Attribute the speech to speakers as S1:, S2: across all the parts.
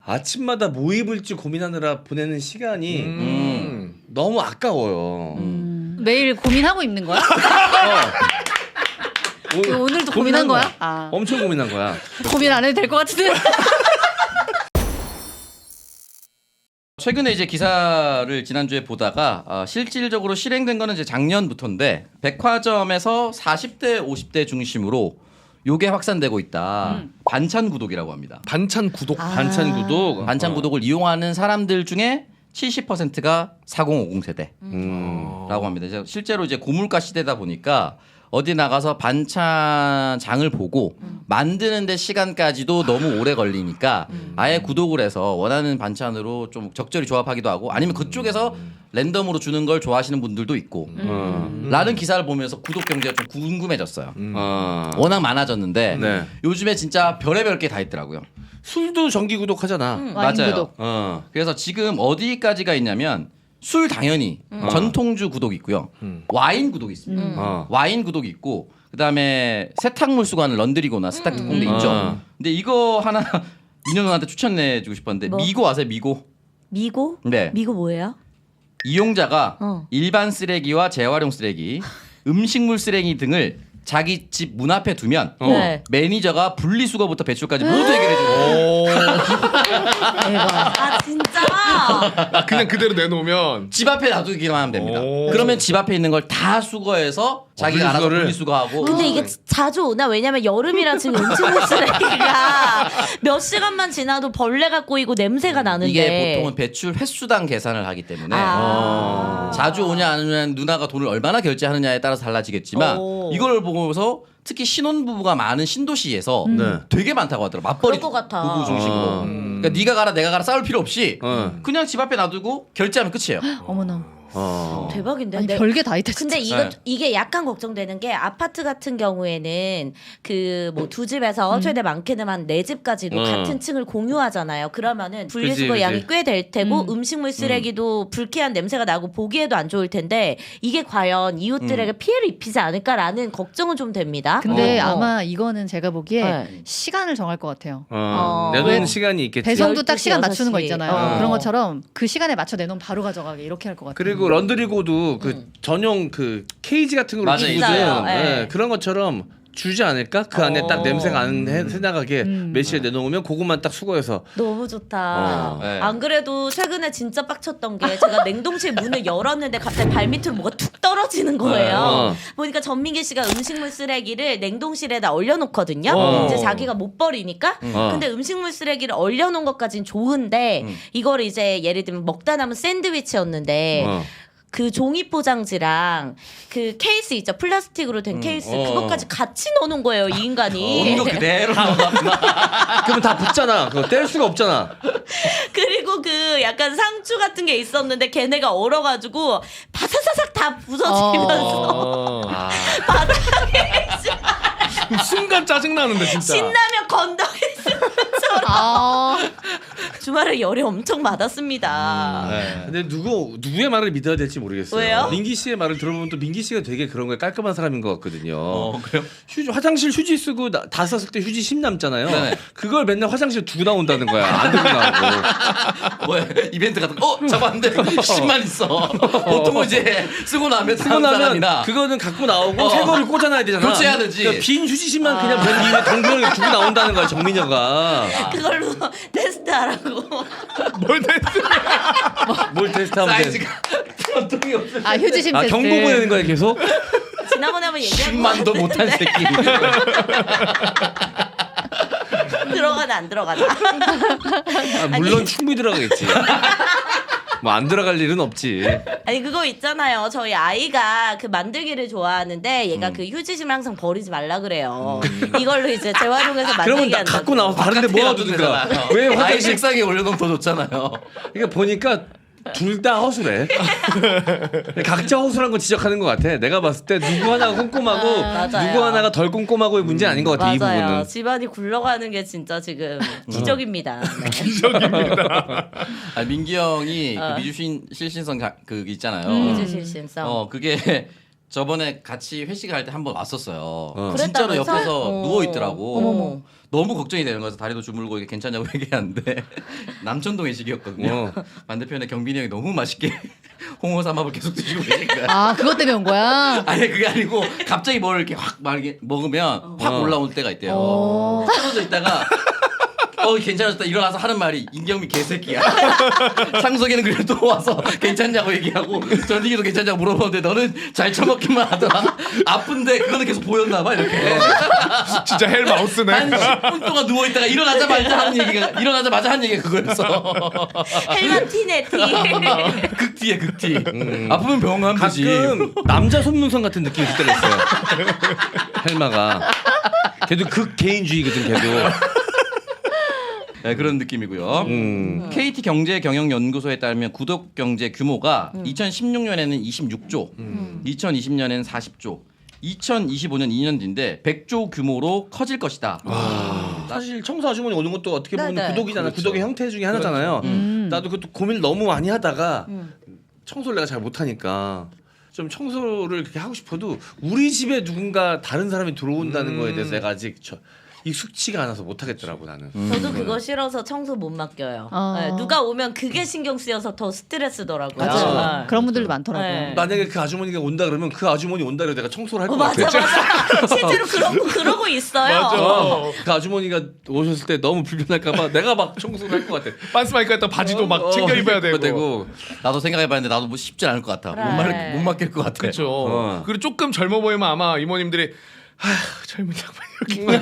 S1: 아침마다 뭐 입을지 고민하느라 보내는 시간이 너무 아까워요.
S2: 매일 고민하고 입는 거야? 오늘도 고민한 거야? 아.
S1: 엄청 고민한 거야.
S2: 고민 안 해도 될 것 같은데.
S3: 최근에 이제 기사를 지난주에 보다가 실질적으로 실행된 거는 이제 작년부터인데 백화점에서 40대, 50대 중심으로 요게 확산되고 있다. 반찬 구독이라고 합니다.
S1: 반찬 구독. 반찬 구독.
S3: 반찬 구독을 이용하는 사람들 중에 70%가 4050 세대라고 합니다. 이제 실제로 이제 고물가 시대다 보니까 어디 나가서 반찬장을 보고 만드는데 시간까지도 너무 오래 걸리니까 아예 구독을 해서 원하는 반찬으로 좀 적절히 조합하기도 하고 아니면 그쪽에서 랜덤으로 주는 걸 좋아하시는 분들도 있고 라는 기사를 보면서 구독 경제가 좀 궁금해졌어요. 워낙 많아졌는데
S1: 네.
S3: 요즘에 진짜 별의별 게 다 있더라고요.
S1: 술도 정기 구독하잖아.
S2: 와인
S3: 맞아요.
S2: 구독.
S3: 그래서 지금 어디까지가 있냐면 술 당연히 전통주 구독 있고요. 와인 구독 있습니다. 와인 구독 있고 그다음에 세탁물 수거하는 런드리고나 세탁 특공대 있죠. 근데 이거 하나 민현 누나한테 추천해 주고 싶었는데
S4: 뭐?
S3: 미고 아세요? 미고?
S4: 미고?
S3: 네.
S4: 미고 뭐예요?
S3: 이용자가
S4: 어.
S3: 일반 쓰레기와 재활용 쓰레기, 음식물 쓰레기 등을 자기 집 문 앞에 두면
S4: 네.
S3: 매니저가 분리수거부터 배출까지 모두 해결해 줘요.
S2: 대박.
S4: 아 진짜?
S1: 아, 그냥 그대로 내놓으면.
S3: 집 앞에 놔두기만 하면 됩니다.
S1: 오.
S3: 그러면 집 앞에 있는 걸 다 수거해서 자기가 알아서
S1: 분리수거를?
S3: 분리수거하고.
S4: 근데 이게 자주 오나? 왜냐면 여름이라 지금 음식물 쓰레기가 몇 시간만 지나도 벌레가 꼬이고 냄새가 나는데
S3: 이게 보통은 배출 횟수당 계산을 하기 때문에 자주 오냐 안 오냐 누나가 돈을 얼마나 결제하느냐에 따라서 달라지겠지만
S4: 오.
S3: 이걸 보고서 특히 신혼부부가 많은 신도시에서
S1: 네.
S3: 되게 많다고 하더라고. 맞벌이
S4: 그럴 것 같아.
S3: 부부 중심으로. 그러니까 네가 가라 내가 가라 싸울 필요 없이 그냥 집 앞에 놔두고 결제하면 끝이에요.
S2: 어머나.
S4: 대박인데.
S2: 아니
S4: 내-
S2: 별게 다 있다.
S4: 근데
S2: 진짜.
S4: 이게 약간 걱정되는 게 아파트 같은 경우에는 그 뭐 두 집에서 최대 많게는 한 네 집까지도 같은 층을 공유하잖아요. 그러면은 분리수거
S1: 그치.
S4: 양이 꽤 될 테고 음식물 쓰레기도 불쾌한 냄새가 나고 보기에도 안 좋을 텐데 이게 과연 이웃들에게 피해를 입히지 않을까라는 걱정은 좀 됩니다.
S2: 근데 아마 이거는 제가 보기에
S4: 네.
S2: 시간을 정할 것 같아요.
S1: 내놓는
S2: 왜?
S1: 시간이 있겠지.
S2: 배송도 딱
S4: 12시,
S2: 시간 맞추는 거
S4: 6시.
S2: 있잖아요. 그런 것처럼 그 시간에 맞춰 내놓으면 바로 가져가게 이렇게 할 것 같아요.
S1: 그리고 런드리고도 그 전용 그 케이지 같은 걸로
S3: 맞아요.
S1: 주거든.
S4: 있어요.
S1: 네.
S4: 네.
S1: 그런 것처럼 주지 않을까? 그 안에 딱 냄새가 안 새나가게 매실에 내놓으면 그것만 딱 수거해서.
S4: 너무 좋다.
S3: 네.
S4: 안 그래도 최근에 진짜 빡쳤던 게 제가 냉동실 문을 열었는데 갑자기 발밑으로 뭐가 툭 떨어지는 거예요. 보니까 전민기 씨가 음식물 쓰레기를 냉동실에다 얼려놓거든요. 이제 자기가 못 버리니까. 근데 음식물 쓰레기를 얼려놓은 것까진 좋은데 이거를 이제 예를 들면 먹다 남은 샌드위치였는데 그 종이 포장지랑 그 케이스 있죠, 플라스틱으로 된 케이스 그것까지 같이 넣어놓은 거예요 이 인간이.
S3: 온도 그대로 나왔구나.
S1: 그러면 다 붙잖아. 그거 뗄 수가 없잖아.
S4: 그리고 그 약간 상추 같은 게 있었는데 걔네가 얼어가지고 바사사삭 다 부서지면서
S1: 순간 짜증 나는데 진짜.
S4: 신라면 건더기 쓰면서
S2: 아,
S4: 주말에 열이 엄청 받았습니다.
S1: 근데 누구의 말을 믿어야 될지 모르겠어요.
S4: 왜요?
S1: 민기 씨의 말을 들어보면 또 민기 씨가 되게 그런 거에 깔끔한 사람인 것 같거든요.
S3: 그래요?
S1: 화장실 휴지 쓰고 다 썼을 때 휴지 심 남잖아요.
S3: 네네.
S1: 그걸 맨날 화장실 두고 나온다는 거야. 안 들고 나오고.
S3: 뭐야 이벤트 같은 거 잡았는데 10만 있어. 보통은 이제 쓰고 나면
S1: 쓰고
S3: 다음
S1: 나면
S3: 사람이나
S1: 그거는 갖고 나오고 새 거를 꽂아놔야 되잖아.
S3: 교체해야 되지.
S1: 그러니까 빈 휴지심만 그냥 맨 위에 동그랗게 두고 나온다는 거야 정민여가.
S4: 그걸로 테스트하라고.
S1: 뭘 테스트하면 돼?
S3: 사이즈가 전통이 없을
S2: 아 휴지심
S1: 아
S2: 테스트.
S1: 경고 보내는 거야 계속?
S4: 지난번에 한번 얘기한
S3: 10만도 못한 새끼.
S4: 들어가나 안 들어가나.
S1: 아, 물론 충분히 들어가겠지. 뭐 안 들어갈 일은 없지.
S4: 아니 그거 있잖아요. 저희 아이가 그 만들기를 좋아하는데 얘가 그 휴지심을 항상 버리지 말라 그래요. 이걸로 이제 재활용해서
S1: 그러면
S4: 만들기
S1: 나
S4: 한다고.
S1: 갖고 나와서 다른데 모아두든가. 왜
S3: 아이
S1: 화장실?
S3: 책상에 올려놓으면 더 좋잖아요.
S1: 그러니까 보니까 둘 다 허술해. 각자 허술한 거 지적하는 것 같아. 내가 봤을 때 누구 하나가 꼼꼼하고
S4: 맞아요.
S1: 누구 하나가 덜 꼼꼼하고의 문제 아닌 것 같아. 이
S4: 맞아요.
S1: 부분은.
S4: 집안이 굴러가는 게 진짜 지금 기적입니다. 네.
S3: 아, 민기 형이 그 미주 실신성 그 있잖아요.
S4: 미주실신성.
S3: 그게 저번에 같이 회식할 때 한 번 왔었어요.
S4: 그랬다면서?
S3: 진짜로 옆에서
S4: 어.
S3: 누워 있더라고.
S4: 어머머.
S3: 너무 걱정이 되는 거여서 다리도 주물고 이게 괜찮냐고 얘기하는데 남천동 회식이었거든요. 반대편에 경빈이 형이 너무 맛있게 홍어 삼합을 계속 드시고 계신 거야.
S2: 아 그것 때문에 온 거야?
S3: 아니 그게 아니고 갑자기 뭘 이렇게 확 이렇게 먹으면 확 올라올 때가 있대요. 쓰러져 있다가 괜찮아졌다 일어나서 하는 말이 임경미 개새끼야. 상석이는 그래도 또 와서 괜찮냐고 얘기하고 전디기도 괜찮냐고 물어보는데 너는 잘 처먹기만 하더라. 아픈데 그거는 계속 보였나 봐 이렇게.
S5: 진짜 헬마우스네.
S3: 한 10분 동안 누워 있다가 일어나자마자 하는 얘기가 그거였어.
S4: 헬만 티네 티.
S3: 극티에 극티. 아프면 병원 가면 되지.
S1: 가끔 남자 손문성 같은 느낌이 들 때가 있어요. 헬마가. 걔도 극개인주의거든 걔도.
S3: 네, 그런 느낌이고요. KT 경제경영연구소에 따르면 구독 경제 규모가 2016년에는 26조, 2020년에는 40조, 2025년 2년 뒤인데 100조 규모로 커질 것이다.
S1: 사실 청소 아주머니 오는 것도 어떻게 보면
S4: 네네.
S1: 구독이잖아.
S3: 그렇죠.
S1: 구독의 형태 중에 하나잖아요. 나도 그것도 고민을 너무 많이 하다가 청소를 내가 잘 못하니까 좀 청소를 그렇게 하고 싶어도 우리 집에 누군가 다른 사람이 들어온다는 거에 대해서 내가 아직 익숙치가 않아서 못하겠더라고 나는.
S4: 저도 그거 싫어서 청소 못 맡겨요.
S2: 어.
S4: 네, 누가 오면 그게 신경 쓰여서 더 스트레스더라고요.
S2: 맞아요.
S4: 네.
S2: 그런 분들도 많더라고요.
S4: 네.
S1: 만약에 그 아주머니가 온다 그러면 그 아주머니 온다 그래서 내가 청소를 할 것
S4: 맞아
S1: 같아.
S4: 맞아. 실제로 그러고 있어요.
S5: 맞아.
S1: 그 아주머니가 오셨을 때 너무 불편할까봐 내가 막 청소를 할 것 같아.
S5: 빤스 마이크 했다 바지도 막 챙겨 입어야 되고.
S3: 나도 생각해봤는데 나도 뭐 쉽지 않을 것 같아.
S4: 그래.
S3: 못 맡길 것 같아.
S5: 그렇죠. 그리고 조금 젊어 보이면 아마 이모님들이 젊은 양반 이렇게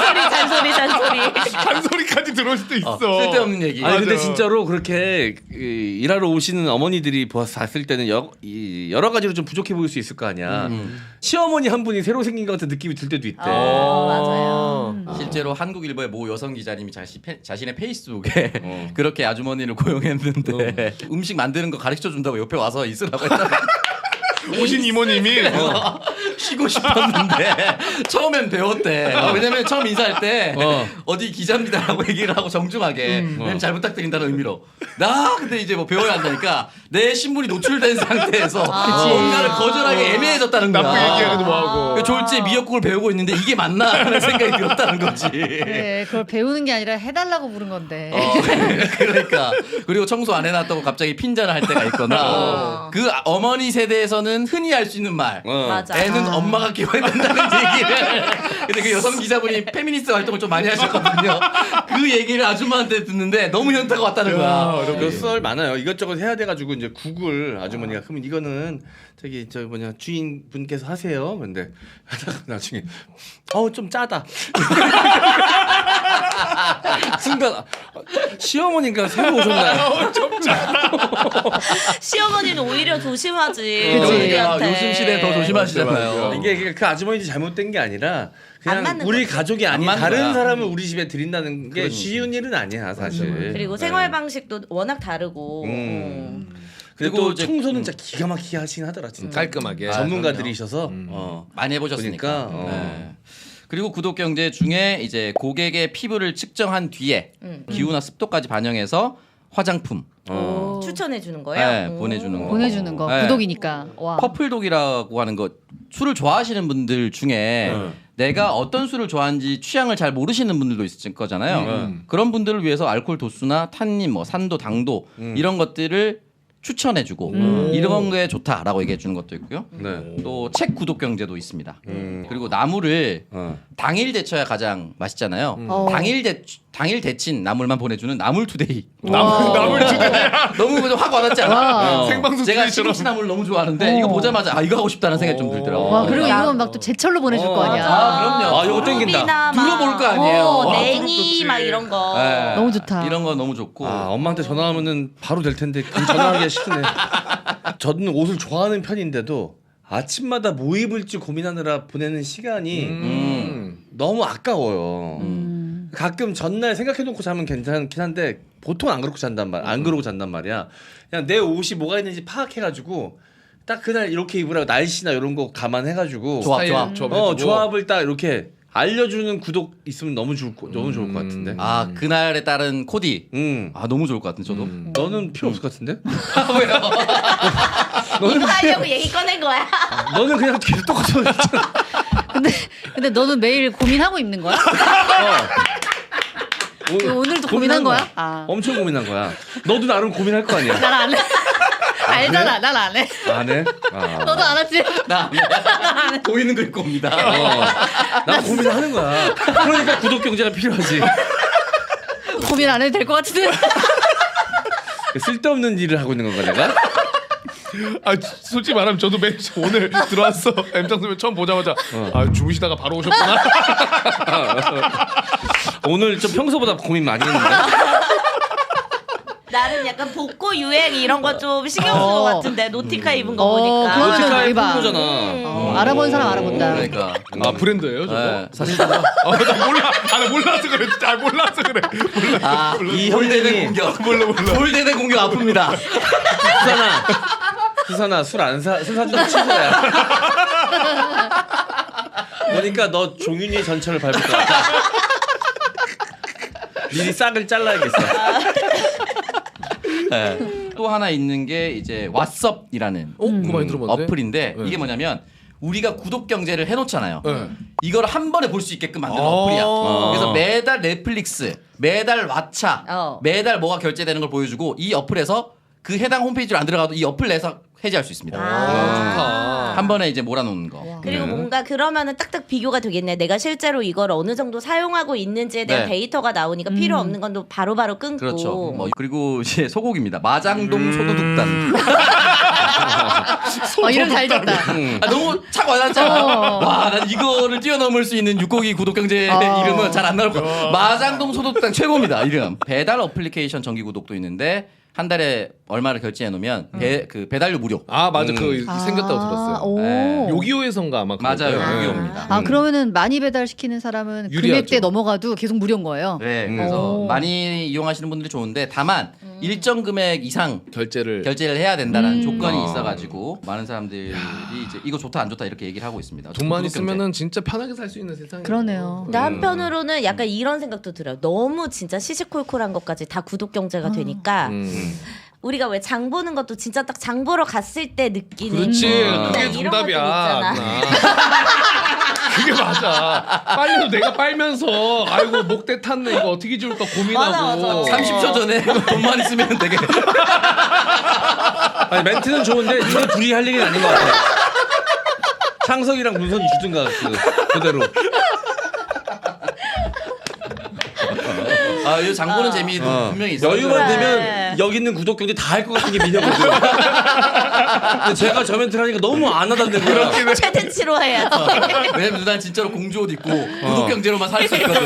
S4: 잔소리.
S5: 잔소리까지 들어올 수도 있어.
S3: 쓸데없는 얘기.
S1: 아니 근데
S5: 맞아.
S1: 진짜로 그렇게 일하러 오시는 어머니들이 봤을 때는 여러 가지로 좀 부족해 보일 수 있을 거 아니야. 시어머니 한 분이 새로 생긴 것 같은 느낌이 들 때도 있대.
S4: 맞아요.
S3: 실제로 한국일보의 모 여성 기자님이 자신의 페이스북에 그렇게 아주머니를 고용했는데 음식 만드는 거 가르쳐 준다고 옆에 와서 있으라고 했다고.
S5: 오신 이모님이
S3: 쉬고 싶었는데 처음엔 배웠대. 왜냐면 처음 인사할 때 어디 기자입니다라고 얘기를 하고 정중하게 잘 부탁드린다는 의미로. 나 근데 이제 뭐 배워야 한다니까 내 신분이 노출된 상태에서 뭔가를 거절하기 애매해졌다는 거야.
S5: 나쁘게 얘기하기도 뭐하고.
S3: 그 졸지에 미역국을 배우고 있는데 이게 맞나 하는 생각이 들었다는 거지.
S2: 그래, 그걸 배우는 게 아니라 해달라고 부른 건데.
S3: 그러니까 그리고 청소 안 해놨다고 갑자기 핀잔을 할 때가 있거나 그 어머니 세대에서는 흔히 할 수 있는 말.
S4: 맞아.
S3: 애는 엄마가 키워야 된다는 얘기를. 근데 그 여성 기자분이 페미니스트 활동을 좀 많이 하셨거든요. 그 얘기를 아줌마한테 듣는데 너무 현타가 왔다는 거야.
S1: 그 썰 많아요. 이것저것 해야 돼가지고 이제 국을 아주머니가 그러면 이거는 저기 저 뭐냐 주인분께서 하세요. 근데 하다가 나중에 좀 짜다. 순간 시어머니가 새로 오셨나요?
S4: 시어머니는 오히려 조심하지.
S2: 그치.
S4: 우리한테.
S3: 요즘 시대에 더 조심하시잖아요.
S1: 이게 그 아주머니 잘못된 게 아니라
S4: 안
S1: 그냥
S4: 맞는
S1: 우리
S4: 거지.
S1: 가족이 아닌
S3: 안 맞는
S1: 다른
S3: 거야.
S1: 사람을 우리 집에 들인다는 게 쉬운 일은 아니야 사실.
S4: 그리고 생활 방식도 워낙 다르고.
S1: 그리고
S3: 그리고
S1: 또
S3: 이제-
S1: 청소는 진짜 기가 막히게 하시긴 하더라 진짜.
S5: 깔끔하게.
S1: 전문가들이셔서
S3: 많이 해보셨으니까.
S1: 보니까,
S3: 네. 그리고 구독 경제 중에 이제 고객의 피부를 측정한 뒤에 기후나 습도까지 반영해서 화장품
S4: 추천해 주는 거예요.
S3: 네, 보내주는 거.
S2: 보내주는 거.
S3: 네.
S2: 구독이니까. 와.
S3: 퍼플독이라고 하는 거 술을 좋아하시는 분들 중에 내가 어떤 술을 좋아하는지 취향을 잘 모르시는 분들도 있을 거잖아요. 그런 분들을 위해서 알코올 도수나 탄닌, 뭐 산도, 당도 이런 것들을 추천해주고 이런 게 좋다라고 얘기해 주는 것도 있고요.
S1: 네.
S3: 또 책 구독 경제도 있습니다. 그리고 나물을 당일 데쳐야 가장 맛있잖아요. 당일 데친 나물만 보내주는 나물투데이.
S5: 나물 주네.
S3: 너무 그냥 확 와닿지 않아?
S2: 와.
S5: 생방송
S3: 제가
S5: 투데이처럼.
S3: 시금치 나물 너무 좋아하는데 이거 보자마자 이거 하고 싶다는 생각이 좀 들더라고.
S2: 와 그리고 이건 막 또 제철로 보내줄 거 아니야.
S3: 그럼요.
S1: 아, 이거 땡긴다.
S4: 두릅이나 막,
S3: 들어볼 거 아니에요.
S4: 냉이
S5: 좋지.
S4: 막 이런 거.
S3: 네.
S2: 너무 좋다.
S3: 이런 거 너무 좋고.
S1: 엄마한테 전화하면은 바로 될 텐데 그 전화하기가 싫네. 저는 옷을 좋아하는 편인데도 아침마다 뭐 입을지 고민하느라 보내는 시간이 너무 아까워요. 가끔 전날 생각해놓고 자면 괜찮긴 한데 보통 안 그러고 잔단 말, 안 그러고 잔단 말이야. 그냥 내 옷이 뭐가 있는지 파악해가지고 딱 그날 이렇게 입으라고 날씨나 이런 거 감안해가지고
S3: 조합.
S5: 조합.
S1: 조합을 딱 이렇게 알려주는 구독 있으면 너무 좋을 것 같은데.
S3: 아 그날에 따른 코디. 아 너무 좋을 것 같은데 저도.
S1: 너는 필요 없을 것 같은데?
S4: 이거 하려고 얘기 꺼낸 거야.
S1: 너는 그냥 계속 똑같아.
S2: 근데 너는 매일 고민하고 입는 거야? 오늘도 고민한 거야? 아.
S1: 엄청 고민한 거야. 너도 나름 고민할 거 아니야.
S2: 난 안 해. 알잖아. 난 안 해.
S1: 안 해? 아.
S2: 너도 안 하지?
S3: 나 보이는 거 입고 옵니다.
S1: 나 고민하는 거야. 그러니까 구독 경제가 필요하지.
S2: 고민 안 해도 될 것 같은데.
S1: 쓸데없는 일을 하고 있는 건가 내가?
S5: 아 솔직히 말하면 저도 매일 오늘 들어왔어. M장 선배 처음 보자마자 아 주무시다가 바로 오셨구나.
S1: 오늘 좀 평소보다 고민 많이 했는데.
S4: 나름 약간 복고 유행 이런 거 좀 신경 쓴 것 같은데 노티카 입은 거 보니까.
S2: 그러면은
S1: 노티카의
S2: 대박.
S1: 풍부잖아.
S2: 알아본 사람 알아본다.
S3: 그러니까.
S5: 아 브랜드예요 저거?
S3: 네, 사실
S5: 나 몰라. 나 몰라서 그래. 아 몰라서 그래.
S1: 이
S3: 볼대는
S1: 형님이
S3: 공격. 볼대는 공격 아픕니다.
S1: 수산아 술 안 사 사준다고 취소야. 보니까 너 종윤이의 전철을 밟을 것 같아. 미리 싹을 잘라야겠어.
S3: 네. 또 하나 있는 게 이제 왓썹이라는
S5: 그거 많이 들어봤는데.
S3: 어플인데 이게 뭐냐면 우리가 구독 경제를 해놓잖아요.
S5: 네.
S3: 이걸 한 번에 볼 수 있게끔 만든
S5: 아.
S3: 어플이야. 그래서 매달 넷플릭스, 매달 왓챠, 매달 뭐가 결제되는 걸 보여주고 이 어플에서 그 해당 홈페이지로 안 들어가도 이 어플 내에서 해지할 수 있습니다.
S5: 좋다.
S3: 한 번에 이제 몰아놓는 거.
S4: 그리고 뭔가 그러면은 딱딱 비교가 되겠네. 내가 실제로 이걸 어느 정도 사용하고 있는지에 대한
S3: 네.
S4: 데이터가 나오니까 필요 없는 건 또 바로바로 끊고.
S3: 그렇죠. 뭐 그리고 이제 소곡입니다. 마장동 소도둑단.
S2: 이름 잘 졌다.
S3: 아, 너무 착 와닿잖아. 와, 난 이거를 뛰어넘을 수 있는 6곡이 구독 경제 이름은 잘 안 나올 거야. 마장동 소도둑단 최고입니다. 이름. 배달 어플리케이션 정기 구독도 있는데 한 달에 얼마를 결제해 놓으면 그 배달료 무료.
S5: 아 맞아 그 생겼다고 들었어요.
S2: 오.
S3: 네.
S5: 요기요에선가 아마 그럴
S3: 맞아요.
S5: 거예요.
S3: 요기요입니다.
S2: 그러면은 많이 배달시키는 사람은
S5: 유리하죠.
S2: 금액대 넘어가도 계속 무료인 거예요.
S3: 네, 그래서
S2: 오.
S3: 많이 이용하시는 분들이 좋은데 다만 일정 금액 이상
S5: 결제를
S3: 해야 된다는 조건이 있어가지고 많은 사람들이 이제 이거 좋다 안 좋다 이렇게 얘기를 하고 있습니다.
S5: 돈만
S3: 구독 경제.
S5: 있으면은 진짜 편하게 살 수 있는 세상이에요.
S2: 그러네요.
S4: 근데 한편으로는 약간 이런 생각도 들어요. 너무 진짜 시시콜콜한 것까지 다 구독 경제가 되니까 우리가 왜 장 보는 것도 진짜 딱 장 보러 갔을 때 느끼는
S5: 그렇지
S4: 그냥
S5: 그게
S4: 이런 것들
S5: 정답이야.
S4: 있잖아.
S5: 누나. 그게 맞아. 빨려도 내가 빨면서 아이고 목대 탔네 이거 어떻게 지울까 고민하고.
S4: 맞아.
S3: 30초 전에 돈만 있으면 되게
S1: 아니 멘트는 좋은데 이거 둘이 할 얘기는 아닌 것 같아. 창석이랑 문선이 주든가 그대로.
S3: 이 장보는 재미도 분명히 있어요.
S1: 여유만
S4: 그래.
S1: 되면 여기 있는 구독 경제 다 할 것 같은 게 미녀거든. 근데 제가 저 멘트를 하니까 너무 안 하던데 거야.
S4: 최대치로 해야 돼.
S3: 왜냐면 누나는 진짜로 공주 옷 입고 구독 경제로만 살 수 있거든.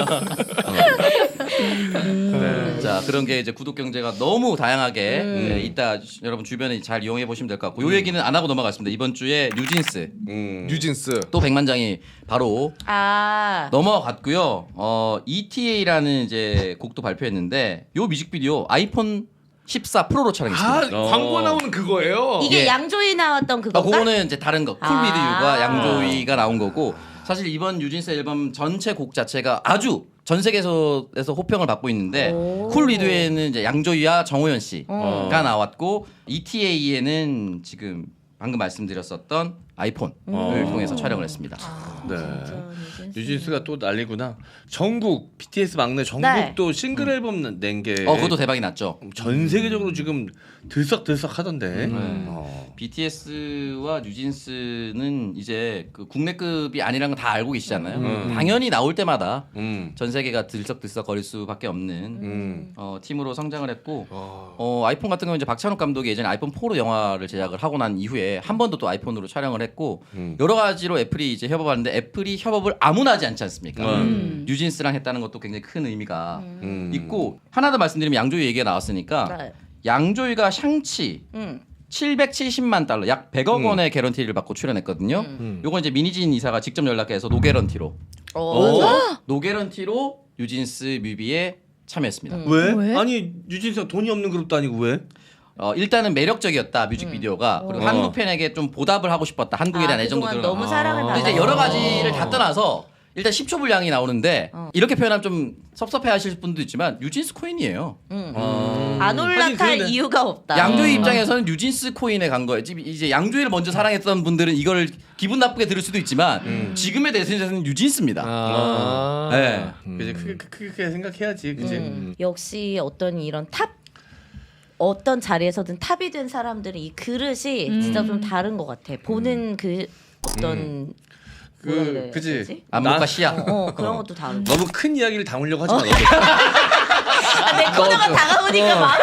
S3: 자 그런 게 이제 구독 경제가 너무 다양하게 네, 있다. 여러분 주변에 잘 이용해 보시면 될 것 같고 요 얘기는 안 하고 넘어가겠습니다. 이번 주에 뉴진스
S5: 뉴진스.
S3: 또 100만 장이 바로
S4: 아.
S3: 넘어갔고요. ETA라는 이제 곡도 발표했는데 요 뮤직비디오 아이폰 14 프로로
S5: 아
S3: 촬영했습니다.
S5: 광고 나오는 그거예요.
S4: 이게
S3: 예.
S4: 양조위 나왔던 그건가?
S3: 그거는 이제 다른 거. 쿨
S4: 아.
S3: 위드 유가 양조위가 나온 거고 사실 이번 뉴진스 앨범 전체 곡 자체가 아주 전 세계에서 호평을 받고 있는데 쿨 위드에는 이제 양조위와 정호연 씨가 나왔고 ETA에는 지금 방금 말씀드렸었던 아이폰을 통해서 촬영을 했습니다.
S1: 네. 뉴진스가 또 난리구나. 전국 BTS 막내 전국도 싱글 앨범 낸 게
S3: 그것도 대박이 났죠.
S1: 전 세계적으로 지금 들썩들썩 하던데.
S3: BTS와 뉴진스는 이제 그 국내급이 아니라는 건 다 알고 계시잖아요. 당연히 나올 때마다 전 세계가 들썩들썩거릴 수밖에 없는 팀으로 성장을 했고 아이폰 같은 경우는 이제 박찬욱 감독이 예전에 아이폰 4로 영화를 제작을 하고 난 이후에 한 번도 또 아이폰으로 촬영을 했고 여러 가지로 애플이 이제 협업하는데 애플이 협업을 아무나 하지 않지 않습니까? 뉴진스랑 했다는 것도 굉장히 큰 의미가 있고 하나 더 말씀드리면 양조위 얘기가 나왔으니까
S4: 네.
S3: 양조위가 샹치 770만 달러 약 100억 원의 개런티를 받고 출연했거든요. 요건 이제 미니진 이사가 직접 연락해서 노개런티로 노개런티로 뉴진스 뮤비에 참여했습니다.
S1: 왜? 아니 뉴진스가 돈이 없는 그룹도 아니고 왜?
S3: 일단은 매력적이었다 뮤직비디오가 그리고 한국 팬에게 좀 보답을 하고 싶었다 한국에 대한 애정도
S4: 그동안
S3: 드러나고
S4: 너무 사랑을
S3: 근데
S4: 받아서.
S3: 이제 여러 가지를 다 떠나서 일단 10초 분량이 나오는데 이렇게 표현하면 좀 섭섭해하실 분도 있지만 뉴진스 코인이에요.
S4: 안
S1: 하긴
S4: 올라탈
S1: 그러네.
S4: 이유가 없다.
S3: 양조위 입장에서는 뉴진스 코인에 간 거예요. 지금 이제 양조위를 먼저 사랑했던 분들은 이걸 기분 나쁘게 들을 수도 있지만 지금의 대세는 뉴진스입니다. 네.
S1: 그지 크게 생각해야지, 그지.
S4: 역시 어떤 이런 어떤 자리에서든 탑이 된 사람들은 이 그릇이 진짜 좀 다른 것 같아. 보는 그 어떤 뭐라 그래야
S1: 그지.
S4: 되지?
S3: 안목과 시야.
S4: 그런 것도 다르고.
S1: 너무 큰 이야기를 담으려고 하지 마.
S4: 내 코너가 다가오니까 마음이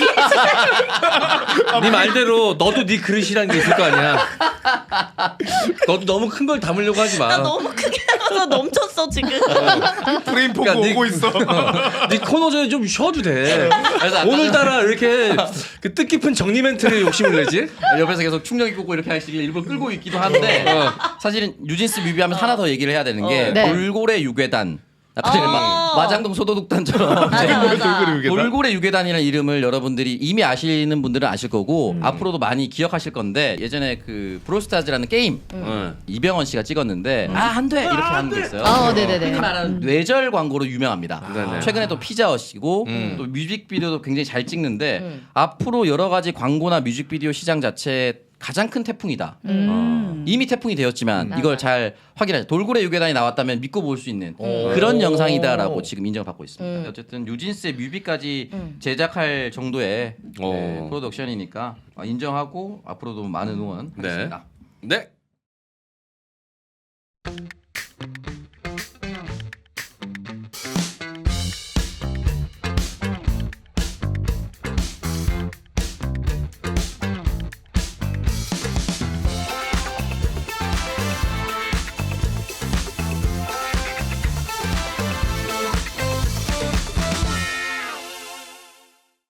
S1: 네 말대로 너도 네 그릇이라는 게 있을 거 아니야. 너도 너무 큰 걸 담으려고 하지 마.
S4: 나 너무 크게 나가서 넘쳤어 지금.
S5: 프레임 보고
S1: 그러니까
S5: 오고 있어.
S1: 네 코너 전에 좀 쉬어도 돼.
S3: 그래서 아까
S1: 오늘따라 이렇게 그 뜻깊은 정리 멘트를 욕심을 내지?
S3: 옆에서 계속 충격이 꽂고 이렇게 하시길 일부러 끌고 있기도 한데 사실은 뉴진스 뮤비하면서 하나 더 얘기를 해야 되는 게
S2: 네.
S3: 돌고래 유괴단. 아까 전에 마장동 소도둑단처럼
S4: 맞아.
S3: 돌고래 유괴단이라는 이름을 여러분들이 이미 아시는 분들은 아실 거고 앞으로도 많이 기억하실 건데 예전에 그 브로스타즈라는 게임 이병헌 씨가 찍었는데 안 돼 이렇게 하는 거 있어요.
S2: 네네네.
S3: 흔히 말하는 뇌절 광고로 유명합니다.
S1: 네네.
S3: 최근에 또 피자헛이고 또 뮤직비디오도 굉장히 잘 찍는데 앞으로 여러 가지 광고나 뮤직비디오 시장 자체에 가장 큰 태풍이다. 이미 태풍이 되었지만 이걸 잘 확인하자. 돌고래 유괴단이 나왔다면 믿고 볼 수 있는 그런 영상이다라고 지금 인정을 받고 있습니다. 어쨌든 뉴진스의 뮤비까지 제작할 정도의 프로덕션이니까 인정하고 앞으로도 많은 응원 하겠습니다.
S1: 네.